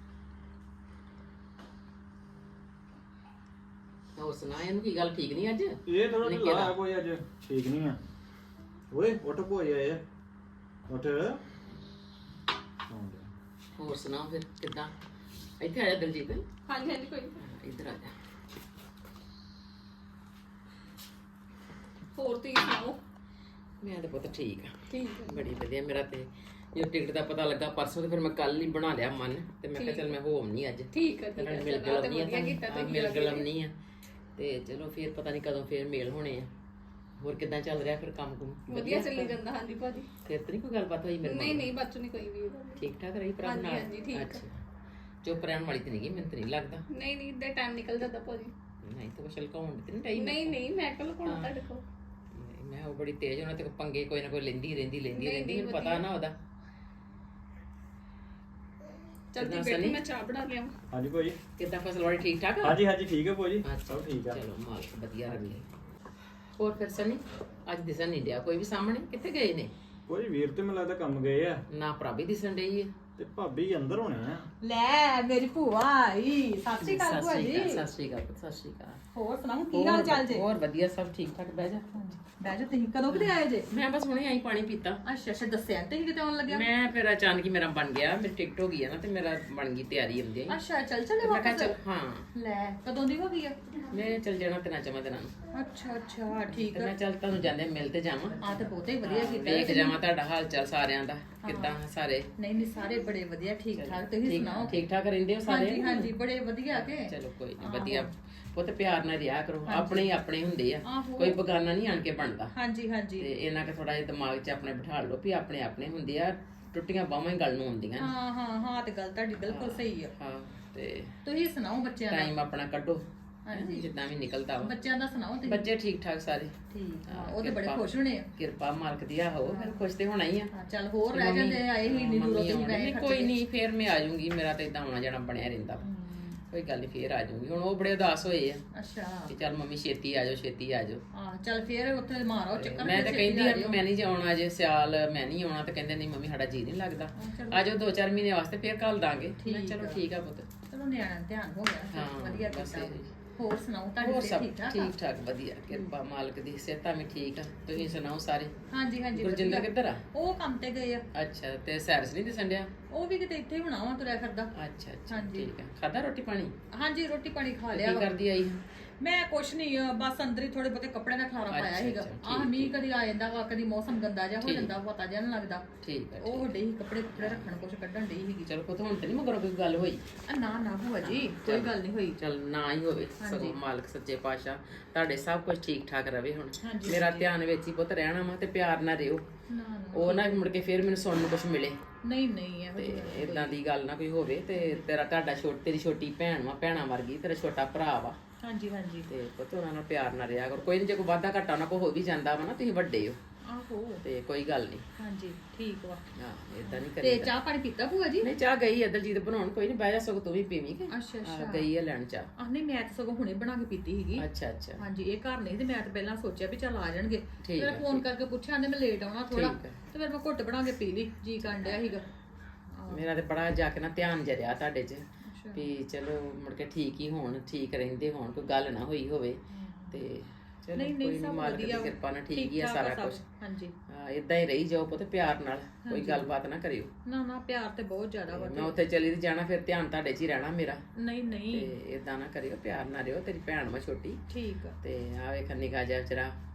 S7: ਹੋਰ ਸੁਣਾ, ਇਹਨੂੰ ਕੀ ਗੱਲ ਠੀਕ ਨਹੀਂ ਅੱਜ?
S2: ਇਹ ਥੋੜਾ
S7: ਨਿੱਕੇ
S2: ਢਿੱਲਾ
S7: ਦਾ।
S2: ਆ ਕੋਈ ਅੱਜ, ਠੀਕ ਨਹੀਂ ਆ। ਓਏ ਉੱਠ ਭੂਆ ਜੀ ਆਏ ਆ, ਉੱਠ।
S7: ਹੋਰ ਸੁਣਾ ਫਿਰ ਕਿੱਦਾਂ? ਇੱਥੇ ਆ ਜਾ ਦਲਜੀਤ,
S5: ਹਾਂਜੀ ਹਾਂਜੀ ਕੋਈ ਨੀ।
S7: ਇੱਧਰ ਆ ਜਾ।
S5: ਹੋਰ ਤੁਸੀਂ ਸੁਣਾਓ?
S7: ਮੈਂ ਤਾਂ ਪੁੱਤ ਠੀਕ ਆ,
S5: ਠੀਕ ਹੈ।
S7: ਬੜੀ ਵਧੀਆ। ਮੇਰਾ ਤੇ ਜੋ ਟਿਕਟ ਦਾ ਪਤਾ ਲੱਗਾ ਪਰਸੋਂ, ਤੇ ਫਿਰ ਮੈਂ ਕੱਲ ਹੀ ਬਣਾ ਲਿਆ ਮਨ, ਤੇ ਮੈਂ ਕਿਹਾ ਚੱਲ ਮੈਂ ਹੋਮ ਨਹੀਂ ਅੱਜ,
S5: ਠੀਕ ਹੈ
S7: ਤੇ
S5: ਠੀਕ ਹੈ।
S7: ਮਿਲ
S5: ਚਲੋ, ਤੇ
S7: ਗਲਮ ਨਹੀਂ
S5: ਵਧੀਆ ਕੀਤਾ
S7: ਆ,
S5: ਤੁਸੀਂ
S7: ਮਿਲ
S5: ਆ ਕੇ।
S7: ਗਲਮ ਨਹੀਂ ਆ, ਤੇ ਚਲੋ ਫਿਰ ਪਤਾ ਨਹੀਂ ਕਦੋਂ ਫੇਰ ਮੇਲ ਹੋਣੇ ਆ। ਹੋਰ ਕਿੱਦਾਂ ਚੱਲ ਰਿਹਾ ਫਿਰ ਕੰਮ ਕੁਮ?
S5: ਵਧੀਆ ਚੱਲੀ ਜਾਂਦਾ। ਹਾਂਜੀ ਭਾਜੀ।
S7: ਫਿਰ ਤਾਂ ਨਹੀਂ ਕੋਈ ਗੱਲਬਾਤ ਹੋਈ ਮੇਰੇ ਨਾਲ?
S5: ਨਹੀਂ ਨਹੀਂ ਬੱਚੋ ਨਹੀਂ ਕੋਈ ਵੀ ਗੱਲ।
S7: ਠੀਕ ਠਾਕ ਰਹੀ ਭਰਾ
S5: ਹਾਂਜੀ,
S7: ਨਾਲ?
S5: ਹਾਂਜੀ, ਠੀਕ ਆ।
S7: ਅੱਛਾ, ਚੁੱਪ ਰਹਿਣ ਵਾਲੀ ਤੇ ਨਹੀਂ ਗਈ, ਮੈਨੂੰ ਤਾਂ ਨਹੀਂ ਲੱਗਦਾ।
S5: ਨਹੀਂ ਨਹੀਂ, ਇੱਦਾਂ ਟਾਈਮ ਨਿਕਲ ਜਾਂਦਾ ਭਾਜੀ।
S7: ਨਹੀਂ ਤਾਂ ਕੁਛ ਲਕਾਉਣ ਤੇ ਨਹੀਂ ਟਾਈਮ?
S5: ਨਹੀਂ ਨਹੀਂ, ਮੈਂ ਕੱਲ ਕੋਣ ਤੁਹਾਡੇ ਕੋਲ।
S7: ਮੈਂ ਉਹ ਬੜੀ ਤੇਜ਼, ਉਹਨਾਂ ਤੇ ਪੰਗੇ ਕੋਈ ਨਾ ਕੋਈ ਲੈਂਦੀ ਰਹਿੰਦੀ ਲੈਂਦੀ
S5: ਨਹੀਂ,
S7: ਰਹਿੰਦੀ,
S5: ਨਹੀਂ,
S7: ਮੈਨੂੰ ਪਤਾ ਨਾ ਉਹਦਾ।
S5: ਚਲਦੀ
S7: ਕਿੱਦਾਂ
S5: ਬੈਠੀ,
S7: ਸਨੀ?
S5: ਮੈਂ ਚਾਹ ਬਣਾ ਲਿਆ।
S2: ਹਾਂਜੀ ਭੂਆ ਜੀ।
S7: ਕਿੱਦਾਂ ਫਸਲਵਾੜੀ ਠੀਕ ਠਾਕ ਆ?
S2: ਹਾਂਜੀ ਹਾਂਜੀ ਠੀਕ ਹੈ ਭੂਆ ਜੀ,
S7: ਅੱਛਾ,
S2: ਸਭ ਠੀਕ ਆ।
S7: ਚਲੋ ਮਾਲਕ ਵਧੀਆ ਰੱਖੇ। ਹੋਰ ਫਿਰ ਸਨੀ, ਅੱਜ ਦਿਸਣ ਨਹੀਂ ਡਿਆ ਕੋਈ ਵੀ ਸਾਹਮਣੇ, ਕਿੱਥੇ ਗਏ ਨੇ?
S2: ਭੂਆ ਜੀ ਵੀਰ ਤੇ ਮੈਨੂੰ ਲੱਗਦਾ ਕੰਮ ਗਏ ਆ,
S7: ਨਾ ਭਰਾ ਦਿਸਣ ਡਈ ਹੈ।
S2: ਤੇ ਭਾਬੀ ਅੰਦਰ ਹੋਣੇ ਆ।
S3: ਲੈ ਮੇਰੀ ਭੂਆ ਆਈ। ਸਤਿ ਸ਼੍ਰੀ ਅਕਾਲ ਭੂਆ ਜੀ।
S7: ਸਤਿ ਸ਼੍ਰੀ ਅਕਾਲ, ਸਤਿ ਸ਼੍ਰੀ ਅਕਾਲ।
S3: ਹੋਰ ਸੁਣਾਓ ਕੀ ਹਾਲ ਚਾਲ ਜੇ?
S7: ਹੋਰ ਵਧੀਆ, ਸਭ ਠੀਕ ਠਾਕ। ਬਹਿ ਜਾ।
S3: ਬਹਿ ਜਾ, ਤੁਸੀਂ ਕਦੋਂ ਕਿਤੇ ਆਏ ਜੇ?
S7: ਮੈਂ ਬਸ ਹੁਣੇ ਆਈ ਪਾਣੀ ਪੀਤਾ।
S3: ਅੱਛਾ ਅੱਛਾ, ਦੱਸਿਆ ਤੇ ਕਿਤੇ ਆਉਣ ਲੱਗਿਆ?
S7: ਮੈਂ ਫਿਰ ਅਚਾਨਕ ਹੀ ਮੇਰਾ ਬਣ ਗਿਆ, ਮੇਰੀ ਟਿਕਟ ਹੋ ਗਈ ਹੈ ਨਾ, ਤੇ ਮੇਰਾ ਬਣ ਗਈ ਤਿਆਰੀ ਹੁੰਦੀ ਹੈ।
S3: ਅੱਛਾ, ਚੱਲ ਚੱਲੇ
S7: ਮੈਂ ਕਿਹਾ
S3: ਵਾਪਸ?
S7: ਚੱਲ ਹਾਂ,
S3: ਲੈ ਕਦੋਂ ਦੀ ਹੋ ਗਈ ਆ?
S7: ਮੈਂ ਚੱਲ ਜਾਣਾ ਤਿੰਨਾਂ ਚਵਾਂ ਦਿਨਾਂ ਨੂੰ।
S3: ਅੱਛਾ ਅੱਛਾ, ਠੀਕ
S7: ਤੇ
S3: ਆ।
S7: ਮੈਂ ਚੱਲ ਤੁਹਾਨੂੰ ਜਾਂਦੇ ਮਿਲ ਤੇ ਜਾਵਾਂ,
S3: ਆ ਤੇ ਬਹੁਤੇ ਹੀ ਵਧੀਆ ਕੀਤਾ
S7: ਵੇਖ
S3: ਤੁਸੀਂ।
S7: ਜਾਵਾਂ ਤੁਹਾਡਾ ਹਾਲ ਚਾਲ ਸਾਰਿਆਂ ਦਾ, ਕਿੱਦਾਂ ਸਾਰੇ?
S3: ਨਹੀਂ ਨਹੀਂ, ਸਾਰੇ ਬੜੇ ਵਧੀਆ, ਠੀਕ ਠਾਕ। ਤੁਸੀਂ
S7: ਠੀਕ
S3: ਸੁਣਾਓ?
S7: ਠੀਕ ਠਾਕ ਰਹਿੰਦੇ ਹੋ ਸਾਰੇ?
S3: ਹਾਂਜੀ ਹਾਂਜੀ, ਬੜੇ ਵਧੀਆ ਕੇ।
S7: ਚਲੋ ਕੋਈ ਨਹੀਂ, ਵਧੀਆ। ਪੁੱਤ ਪਿਆਰ ਨਾਲ ਰਿਹਾ ਕਰੋ, ਆਪਣੇ ਹੀ ਆਪਣੇ ਹੁੰਦੇ ਆ,
S3: ਆਹੋ।
S7: ਕੋਈ ਬਗਾਨਾ ਨਹੀਂ ਆਣ ਕੇ ਬਣਦਾ।
S3: ਹਾਂਜੀ ਹਾਂਜੀ।
S7: ਤੇ ਇਹਨਾਂ ਕੇ ਥੋੜਾ ਜਿਹਾ ਦਿਮਾਗ 'ਚ ਆਪਣੇ ਬਿਠਾ ਲਓ ਵੀ ਆਪਣੇ ਆਪਣੇ ਹੁੰਦੇ ਆ, ਟੁੱਟੀਆਂ ਬਾਹਾਂ ਹੀ ਗੱਲ ਨੂੰ ਹੁੰਦੀਆਂ ਨੇ।
S3: ਹਾਂ ਹਾਂ ਹਾਂ, ਤੇ ਗੱਲ ਤੁਹਾਡੀ ਬਿਲਕੁਲ ਸਹੀ ਆ।
S7: ਹਾਂ, ਤੇ
S3: ਤੁਸੀਂ ਸੁਣਾਓ ਬੱਚਿਆਂ ਦਾ?
S7: ਟਾਈਮ ਆਪਣਾ ਕੱਢੋ,
S3: ਹਾਂਜੀ।
S7: ਜਿੱਦਾਂ ਵੀ ਨਿਕਲਦਾ ਵਾ।
S3: ਬੱਚਿਆਂ ਦਾ ਸੁਣਾਓ ਤੁਸੀਂ?
S7: ਬੱਚੇ ਠੀਕ ਠਾਕ ਸਾਰੇ?
S3: ਠੀਕ ਆ,
S7: ਹਾਂ,
S3: ਉਹ ਤੇ ਬੜੇ
S7: ਕਿਰਪਾ।
S3: ਖੁਸ਼ ਹੋਣੇ ਆ।
S7: ਕਿਰਪਾ ਮਾਲਕ ਦੀ। ਆਹੋ ਫਿਰ ਖੁਸ਼ ਤੇ ਹੋਣਾ ਹੀ ਆ।
S3: ਹਾਂ, ਚੱਲ ਹੋਰ ਰਹਿ
S7: ਮੰਮੀ-
S3: ਜਾਂਦੇ, ਆਏ ਹੀ ਨਹੀਂ ਦੂਰੋਂ
S7: ਮੰਮੀ
S3: ਤੁਸੀਂ
S7: ਆਉਣੇ
S3: ਪੈਸੇ
S7: ਨੇ,
S3: ਖਰਚ
S7: ਕੋਈ
S3: ਕੇ।
S7: ਨਹੀਂ, ਫੇਰ ਮੈਂ ਆ ਜਾਊਂਗੀ, ਮੇਰਾ ਤਾਂ ਇਦਾਂ ਆਉਣਾ ਜਾਣਾ ਬਣਿਆ ਰਹਿੰਦਾ ਵਾ। ਕੋਈ ਗੱਲ ਨਹੀਂ, ਫੇਰ ਆ ਜਾਊਂਗੀ। ਹੁਣ ਉਹ ਬੜੇ ਉਦਾਸ ਹੋਏ ਆ
S3: ਅੱਛਾ।
S7: ਕਿ ਚੱਲ ਮੰਮੀ ਛੇਤੀ ਆ ਜਾਓ, ਛੇਤੀ ਆ ਜਾਓ।
S3: ਹਾਂ, ਚੱਲ ਫੇਰ ਉੱਥੇ ਮਾਰੋ ਚੱਕਰ।
S7: ਮੈਂ
S3: ਫਿਰ
S7: ਤਾਂ
S3: ਛੇਤੀ
S7: ਕਹਿੰਦੀ
S3: ਆ
S7: ਆ ਵੀ
S3: ਜਿਓ।
S7: ਮੈਂ ਨਹੀਂ ਜਾਣਾ ਅਜੇ, ਸਿਆਲ ਮੈਂ ਨਹੀਂ ਆਉਣਾ, ਤੇ ਕਹਿੰਦੇ ਨਹੀਂ ਮੰਮੀ ਸਾਡਾ ਜੀ ਨਹੀਂ ਲੱਗਦਾ,
S3: ਚਲੋ।
S7: ਆ ਜਾਓ ਦੋ ਚਾਰ ਮਹੀਨੇ ਵਾਸਤੇ, ਫੇਰ ਘੱਲ ਦਾਂਗੇ। ਮੈਂ
S3: ਠੀਕ
S7: ਚਲੋ
S3: ਆ।
S7: ਠੀਕ ਆ ਪੁੱਤ।
S3: ਚਲੋ ਨਿਆਣਾ ਧਿਆਨ ਹੋ ਗਿਆ,
S7: ਹਾਂ,
S3: ਵਧੀਆ
S7: ਬਸ
S3: ਕੀਤਾ।
S7: ਇਹ।
S3: ਹੋਰ ਸੁਣਾਓ
S7: ਹੋਰ
S3: ਤੁਹਾਡੀ
S7: ਸਭ
S3: ਸਿਹਤ ਠੀਕ ਠਾਕ ਆ?
S7: ਠੀਕ ਠਾਕ ਵਧੀਆ, ਕਿਰਪਾ ਮਾਲਕ ਦੀ। ਸਿਹਤਾਂ ਵੀ ਠੀਕ ਆ, ਤੁਸੀਂ ਸੁਣਾਓ ਸਾਰੇ?
S3: ਹਾਂਜੀ ਹਾਂਜੀ,
S7: ਗੁਰਜਿੰਦਰ
S3: ਵਧੀਆ।
S7: ਕਿੱਧਰ ਆ?
S3: ਉਹ ਕੰਮ ਤੇ ਗਏ ਆ।
S7: ਅੱਛਾ, ਤੇ ਸੈਰਸ ਨਹੀਂ ਦਿਸਣ ਡਿਆ?
S3: ਉਹ ਵੀ ਕਿਤੇ ਇੱਥੇ ਹੀ ਹੋਣਾ ਵਾ, ਤੁਰਿਆ ਫਿਰਦਾ।
S7: ਅੱਛਾ ਅੱਛਾ,
S3: ਹਾਂਜੀ।
S7: ਠੀਕ ਆ। ਖਾਦਾ ਰੋਟੀ ਪਾਣੀ?
S3: ਹਾਂਜੀ, ਰੋਟੀ ਪਾਣੀ ਖਾ
S7: ਕੀ
S3: ਲਿਆ ਵਾ।
S7: ਕਰਦੀ ਆਈ?
S3: ਮੈਂ ਕੁਛ ਨਹੀਂ ਬਸ ਅੰਦਰ ਹੀ ਥੋੜੇ ਬਹੁਤੇ ਕੱਪੜੇ ਦਾ ਖਲਾਰਾ ਪਾਇਆ
S7: ਅੱਛਾ,
S3: ਸੀਗਾ
S7: ਅੱਛਾ,
S3: ਆਹ
S7: ਠੀਕ,
S3: ਮੀਂਹ ਕਦੀ ਆ ਜਾਂਦਾ ਵਾ ਕਦੀ ਮੌਸਮ ਗੰਦਾ ਜਿਹਾ ਹੋ
S7: ਠੀਕ।
S3: ਜਾਂਦਾ ਪਤਾ ਜਿਹਾ ਨਹੀਂ ਲੱਗਦਾ
S7: ਠੀਕ ਹੈ
S3: ਉਹ ਡੇ ਹੀ ਕੱਪੜੇ ਕੁੱਪੜੇ ਰੱਖਣ ਕੁਛ ਕੱਢਣ ਡਈ ਸੀਗੀ
S7: ਚਲੋ ਪੁੱਤ ਹੁਣ ਤੇ ਨਹੀਂ ਮਗਰੋਂ ਕੋਈ ਗੱਲ ਹੋਈ
S3: ਆ ਨਾ ਨਾ ਭੂਆ ਜੀ ਕੋਈ ਗੱਲ ਨਹੀਂ ਹੋਈ
S7: ਚਲ ਨਾ ਹੀ ਹੋਵੇ ਸਗੋਂ ਮਾਲਕ ਸੱਚੇ ਪਾਤਸ਼ਾਹ ਤੁਹਾਡੇ ਸਭ ਕੁਝ ਠੀਕ ਠਾਕ ਰਵੇ ਹੁਣ ਮੇਰਾ ਧਿਆਨ ਵਿੱਚ ਹੀ ਪੁੱਤ ਰਹਿਣਾ ਵਾ ਤੇ ਪਿਆਰ ਨਾਲ ਰਿਓ
S3: ਨਾ ਨਾ
S7: ਉਹ ਨਾ ਮੁੜ ਕੇ ਫਿਰ ਮੈਨੂੰ ਸੁਣਨ ਨੂੰ ਕੁਝ ਮਿਲੇ
S3: ਨਹੀਂ ਨਹੀਂ ਇਹੋ
S7: ਤੇ
S3: ਜਿਹੀ ਗੱਲ
S7: ਇਦਾਂ ਦੀ ਗੱਲ ਨਾ ਕੋਈ ਹੋਵੇ ਤੇ ਤੇਰਾ ਤੁਹਾਡਾ ਛੋਟ ਤੇਰੀ ਛੋਟੀ ਭੈਣ ਵਾ ਭੈਣਾ ਵਰਗੀ ਤੇਰਾ ਛੋਟਾ ਭਰਾ ਵਾ
S3: ਹਾਂਜੀ ਹਾਂਜੀ
S7: ਤੇ ਪੁੱਤ ਉਹਨਾਂ ਨਾਲ ਪਿਆਰ ਨਾਲ ਰਿਹਾ ਕਰੋ ਕੋਈ ਨਹੀਂ ਜੇ ਕੋਈ ਵਾਧਾ ਘਾਟਾ ਉਹਨਾਂ ਕੋ ਹੋ ਵੀ ਜਾਂਦਾ ਵਾ ਨਾ ਤੁਸੀਂ ਵੱਡੇ ਹੋ
S3: ਆਹੋ
S7: ਤੇ ਕੋਈ ਗੱਲ ਨਹੀਂ
S3: ਹਾਂਜੀ ਠੀਕ ਵਾ
S7: ਹਾਂ ਇਦਾਂ ਨਹੀਂ
S3: ਤੇ
S7: ਕਰੀਦਾ
S3: ਚਾਹ ਪਾਣੀ ਪੀਤਾ ਭੂਆ ਜੀ
S7: ਨਹੀਂ ਚਾਹ ਗਈ ਅਦਲਜੀਤ ਬਣਾਉਣ ਕੋਈ ਨਹੀਂ ਬਹਿ ਜਾ ਸਗੋਂ ਤੂੰ ਵੀ ਪੀਵੀਂ ਕਿ
S3: ਅੱਛਾ
S7: ਹਾਂ,
S3: ਅੱਛਾ
S7: ਗਈ ਹੈ ਲੈਣ ਚਾਹ
S3: ਆਹ ਨਹੀਂ ਮੈਂ ਤਾਂ ਸਗੋਂ ਹੁਣੇ ਬਣਾ ਕੇ ਪੀਤੀ ਸੀਗੀ
S7: ਅੱਛਾ ਅੱਛਾ
S3: ਹਾਂਜੀ ਇਹ ਘਰ ਨਹੀਂ ਤੇ ਮੈਂ ਤਾਂ ਪਹਿਲਾਂ ਸੋਚਿਆ ਵੀ ਚੱਲ ਆ ਜਾਣਗੇ
S7: ਠੀਕ
S3: ਫਿਰ
S7: ਹੈ,
S3: ਫੋਨ ਕਰਕੇ ਪੁੱਛਿਆ ਆਂਦੇ ਮੈਂ ਲੇਟ ਆਉਣਾ ਥੋੜਾ
S7: ਠੀਕ ਹੈ।
S3: ਤੇ ਫਿਰ ਮੈਂ ਘੁੱਟ ਬਣਾ ਕੇ ਪੀ ਲਈ ਜੀ ਕੰਡਿਆ ਸੀਗਾ
S7: ਮੇਰਾ ਤੇ ਬੜਾ ਜਾ ਕੇ ਨਾ ਧਿਆਨ ਜਰਿਆ ਤੁਹਾਡੇ 'ਚ ਵੀ ਚਲੋ ਮੁੜ ਕੇ ਠੀਕ ਹੀ ਹੋਣ ਠੀਕ ਰਹਿੰਦੇ ਹੋਣ ਕੋਈ ਗੱਲ ਨਾ ਹੋਈ ਹੋਵੇ ਤੇ ਚਲੋ
S3: ਨਹੀਂ
S7: ਕੋਈ
S3: ਨਹੀਂ
S7: ਨਹੀਂ
S3: ਸਭ
S7: ਮਾਲਕ ਦੀ
S3: ਵਧੀਆ ਵਾ।
S7: ਕਿਰਪਾ ਨਾਲ ਠੀਕ ਹੀ ਆ
S3: ਠਾਕ
S7: ਸਾਰਾ
S3: ਸਭ।
S7: ਕੁਝ
S3: ਹਾਂਜੀ
S7: ਹਾਂ ਇਦਾਂ ਹੀ ਰਹੀ ਜਾਓ ਪੁੱਤ ਪਿਆਰ ਨਾਲ ਕੋਈ ਗੱਲਬਾਤ ਨਾ ਕਰਿਓ
S3: ਨਾ ਨਾ ਪਿਆਰ ਤੇ ਬਹੁਤ ਜ਼ਿਆਦਾ ਵਾ
S7: ਮੈਂ ਉੱਥੇ ਚਲੀ ਤੇ ਜਾਣਾ ਫਿਰ ਧਿਆਨ ਤੁਹਾਡੇ 'ਚ ਹੀ ਰਹਿਣਾ ਮੇਰਾ
S3: ਨਹੀਂ ਨਹੀਂ
S7: ਤੇ ਇਦਾਂ ਨਾ ਕਰਿਓ ਪਿਆਰ ਨਾਲ ਰਿਓ ਤੇਰੀ ਭੈਣ ਵਾ ਛੋਟੀ
S3: ਠੀਕ ਆ
S7: ਤੇ ਆ ਵੇਖ ਨਿਕਾ ਜਿਹਾ ਵਿਚਾਰਾ